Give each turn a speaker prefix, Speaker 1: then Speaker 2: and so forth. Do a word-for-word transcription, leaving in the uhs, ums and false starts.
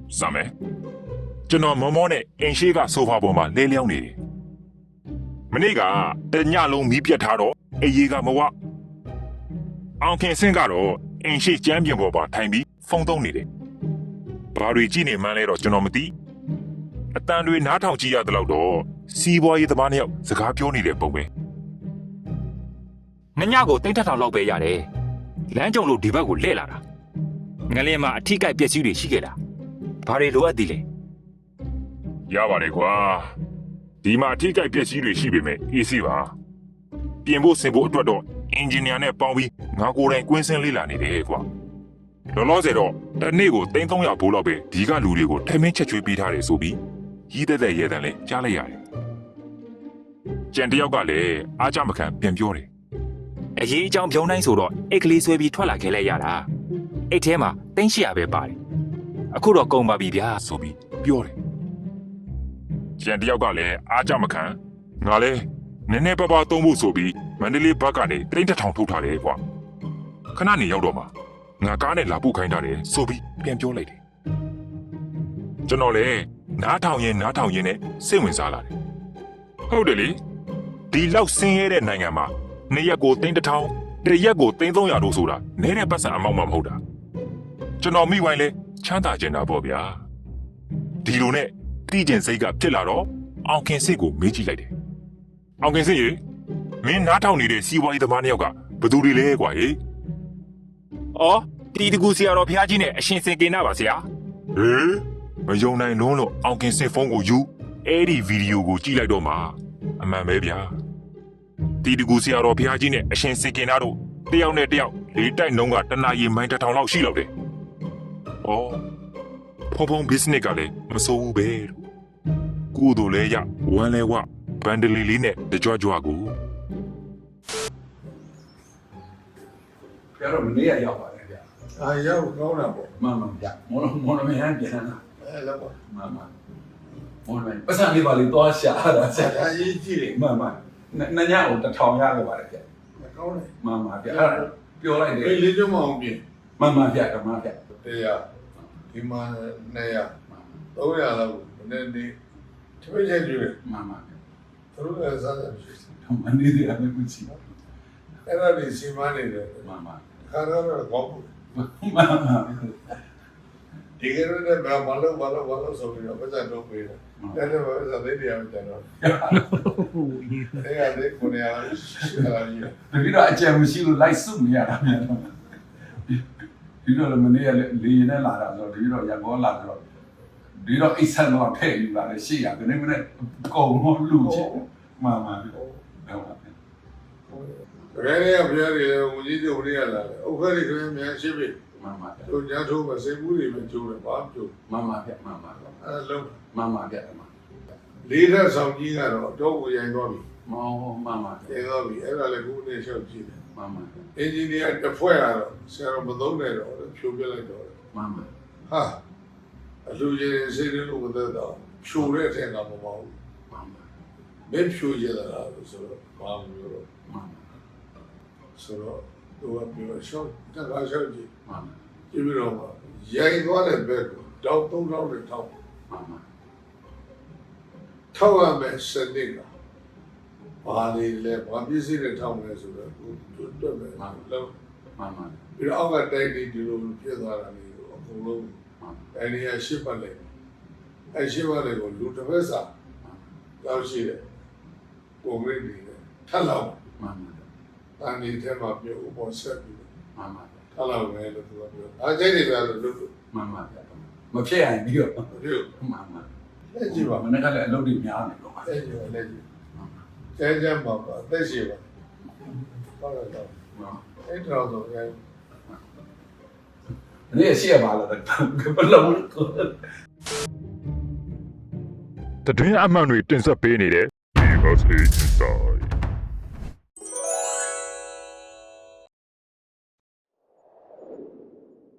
Speaker 1: စမ်းမယ်ကျွန်တော်မောမောနဲ့အင်ရှိကဆိုဖာပေါ်မှာလဲလျောင်းနေတယ်မနေ့ကတညလုံးမီးပြတ်ထားတော့အေးကြီးကမဝအောင်ခင်စင်းကတော့အင်ရှိကျမ်းပြင်ပေါ်မှာထိုင်ပြီးဖုန်းသုံးနေတယ်ဘာတွေကြည့်နေမှန်းလဲတော့ကျွန်တော်မသိအတန်တွေနားထောင်ကြည့်ရတဲ့လောက်တော့စီးပွားရေးသမားနှစ်ယောက်စကားပြောနေတဲ့ပုံပဲ
Speaker 2: ညညကိုတိတ်ထထောင်လောက်ပဲရတယ်လမ်းကြုံလို့ဒီဘက်ကိုလှည့်လာတာငလင်းမှာအထိကိုက်ပျက်စီးတွေရှိခဲ့တာဘာတွေလိုအပ်သေးလဲ
Speaker 1: ရပါတယ်ကွာဒီမှာအထိကိုက်ပျက်စီးတွေရှိပေမဲ့အေးစီပါပြင်ဖို့ဆင်ဖို့အတွက်တော့အင်ဂျင်နီယာနဲ့ပေါင်းပြီးငါကိုယ်တိုင်ကွင်းစင်းလေ့လာနေတယ်ကွာလောလောဆယ်တော့တစ်နေ့ကိုသိန်းသုံးရာဘိုးလောက်ပဲဒီကလူတွေကိုထမင်းချက်ချွေးပေးထားတယ်ဆိုပြီးရီးတဲ့တဲ့ရဲတန်လဲကြားလိုက်ရတယ်ကျန်တယောက်ကလည်းအားကြမခံပြန်ပြောတယ်
Speaker 2: အရေးအကြောင်းပြောင်းတိုင်းဆိုတော့အိတ်ကလေးဆွဲပြီးထွက်လာခဲ့လိုက်ရတာအိတ်ထဲမှာသိန်းရှစ်ရာပဲပါတယ်အခုတော့ကုန်ပါပြီဗျာ
Speaker 1: ဆိုပြီးပြောတယ်ကျန်တယောက်ကလည်းအားကြမခံငါလဲနည်းနည်းပါးပါးသုံးဖို့ဆိုပြီးမန္တလေးဘက်ကနေတိန့်တစ်ထောင်ထုတ်ထားတယ်ကွာခဏနေရောက်တော့မှငါကားနဲ့လာပုတ်ခိုင်းထားတယ်ဆိုပြီးပြန်ပြောလိုက်တယ်ကျွန်တော်လည်းနားထောင်ရင်နားထောင်ရင်နဲ့စိတ်ဝင်စားလာတယ်ဟုတ်တယ်လေဒီလောက်ဆင်းရဲတဲ့နိုင်ငံမှာနှစ်ရက်ကိုသိန်းတစ်ထောင်တစ်ရက်ကိုသိန်းသုံးရာတို့ဆိုတာနည်းတဲ့ပတ်စံအမောက်မှမဟုတ်တာကျွန်တော်မိဝိုင်းလဲချမ်းသာကျင်တာပေါ့ဗျာဒီလိုနဲ့တိကျင်စိတ်ကဖြစ်လာတော့အောင်ခင်စိတ်ကိုမေးကြည့်လိုက်တယ်အောင်ခင်စိတ်ရေမင်းနားထောင်နေတဲ့စီးပွားရေးသမားနှစ်ယောက်ကဘယ်သူတွေလဲကွာဟေး
Speaker 2: အော်တီတကူဆရာတော်ဖျားကြီးနဲ့အရှင်စင်ကေနာပါဆရာ
Speaker 1: ဟေးမယုံနိုင်လုံးလို့အောင်ခင်စစ်ဖုန်းကိုယူအဲ့ဒီဗီဒီယိုကိုကြည့်လိုက်တော့မှအမှန်ပဲဗျာတီတကူဆရာတော်ဖျားကြီးနဲ့အရှင်စင်ကေနာတို့တယောက်နဲ့တယောက်လေးတိုက်နှုံးကတနာရီမိုင်းတစ်ထောင်လောက်ရှိလောက်တယ်ဩဖုန်းဖုန်း business ကလည်းမစိုးဘူးပဲကိုတို့လဲရဝမ်းလဲဝဘန်ဒလီလေးနဲ့တကြွကြွကို
Speaker 3: ပြတော့မနေ့ကရောက်ပါတယ်ဗျာ
Speaker 4: အာရောက်ကောင်းတာပေါ့
Speaker 3: မှန်မှန်ဗျာမော်မော်မဟန်ပြန်လာ
Speaker 4: အဲလောက်ပါ
Speaker 3: မှန်မှန်မော်မပတ်စံလေးပါလေးသွားရှာတာဆက်
Speaker 4: အရေးကြီးတယ်
Speaker 3: မှန်မှန်နညကိုတစ်ထောင်ရခဲ့ပါတယ်ဗျာ
Speaker 4: ကောင်းတယ်
Speaker 3: မှန်မှန်ဗျာအဲ့ပြောလိုက်တယ်
Speaker 4: အေးလေးကျမအောင်ပြင်
Speaker 3: မှန်မှန်ဗျာဓမ္မဗျာ
Speaker 4: တရားဒီမှာနှစ်ရာသုံးရာလောက်နည်းနည်းတပည့်ချက်ကျွေး
Speaker 3: မှန်မှန်ဗျာ
Speaker 4: သူတို့လည်းစားတယ်ရှိ
Speaker 3: တယ်မနေ့တည်းအမေကချီ
Speaker 4: အဲ့ဒါလေးစီမနေတယ်
Speaker 3: မှန်မှန်
Speaker 4: ခါတော့ကောင်းဘူး
Speaker 3: မှန်မှန်
Speaker 4: ဒီကနေ့လည်းဘာလို့ဘာလို့ဘာလို့ဆိုပြီးတော့ပတ်စံတော့ပေးတယ်အဲ့ဒါပဲစားတဲ့တရားကျတော့အဲ့ဒါလေးကိုနေရာရှိတာကြီး
Speaker 3: ဒီတော့အကြံမရှိလို့လိုက်စုမရတာမြန်တော့ဒီတော့လည်းမနေ့ကလေလေရင်နဲ့လာတာဆိုတော့ဒီတော့ရန်ကုန်လာတော့ဒီတော့အိတ်ဆန်တော့ထည့်ယူလာတယ်ရှေ့ရဒီနေ့မနေ့ကုံလို့လူချစ်မှန်မှန်ဟုတ်ပါ
Speaker 4: ဘူးရဲရဲပြရဲဦးကြီးတို့တွေကလာတယ်ဥက္ကဋ္ဌကလည်းမြန်ရှိပြီ
Speaker 3: မှန်မှန်
Speaker 4: တို့ညာထိုးမစိတ်ဘူးတွေပဲကျိုးတယ်ဘာကျိုး
Speaker 3: မှန်မှန်ဗျမှန်မှန်
Speaker 4: အဲလုံး
Speaker 3: မှန်မှန်ဗျမှန်
Speaker 4: လေးထက်ဆောင်ကြီးကတော့တော့ကိုရိုင်းသွားပြီ
Speaker 3: မောမှန်မှန်
Speaker 4: ရိုင်းသွားပြီအဲ့ဒါလည်းခုနေလျှောက်ကြည့်တယ်
Speaker 3: မှန်မှန်
Speaker 4: အင်ဂျင်နီယာတစ်ဖွဲ့ကတော့ဆရာတော်မသုံးနဲ့တော့ဖြိုးပြလိုက်တော့
Speaker 3: မှန်မှန်
Speaker 4: ဟာအလူကြီးစိတ်လို့မသက်တော့ဖြိုးတဲ့အထက်ကမပေါ့ဘူး
Speaker 3: မှန်မှန်
Speaker 4: မင်းဖြိုးရတာလို့ဆိုတော့ဘာမှမပြောတော့
Speaker 3: မှန်
Speaker 4: ဆိုတော့သူကပြောရှော့တကားရှော့ကြည့်
Speaker 3: မှန်
Speaker 4: ကြည့်ပြီးတော့ရိုက်သွားတဲ့ဘက်ကိုတောက်သုံးထောင်နဲ့ထောက်
Speaker 3: မှန်မှန်
Speaker 4: ထောက်ရမယ်စနစ်ကဘာလေးလဲဘာပစ္စည်းတွေထောက်မယ်ဆိုတော့တွတ်မယ်
Speaker 3: မှန်
Speaker 4: လုံး
Speaker 3: မှန်မှန်
Speaker 4: ပြီးတော့အောက်ကတိုက်ပြီးဒီလိုဖြစ်သွားတာမျိုးအကုန်လုံးအဲဒီရရှစ်ပတ်လိုက်အဲရှစ်ပတ်လိုက်ကိုလူတစ်ဖက်စာလောက်ရှိတယ်ပုံရိပ်တွေထပ်လောက်
Speaker 3: မှန်မှန်
Speaker 4: တန်ဒီထဲမှာပြုတ်ဥပေါ်ဆက်ပြီး
Speaker 3: မှန်မှန်
Speaker 4: ထပ်လောက်ပဲလို့သူကပြောအားကျိတ်တွေပဲလို့လို့
Speaker 3: မှန်မှန်မဖြစ်ရင်ပြီးတော့
Speaker 4: ပြုတ်
Speaker 3: မှန်မှန်
Speaker 4: လက်ကြည့်ပါ
Speaker 3: မနေ့ကလည်းအလုပ်တွေများနေတော့
Speaker 4: လက်ကြည့်ပါလက်ကြည့်ကျဲကျဲမှာပါသက်ရှိပါဟုတ်တယ်တော့အဲ့တော့ဆိုရင်
Speaker 3: နေ့ရှိရပါလားဘယ်လို
Speaker 1: တတွင်းအမှန်တွေတင်ဆက်ပေးနေတဲ့ Because Inside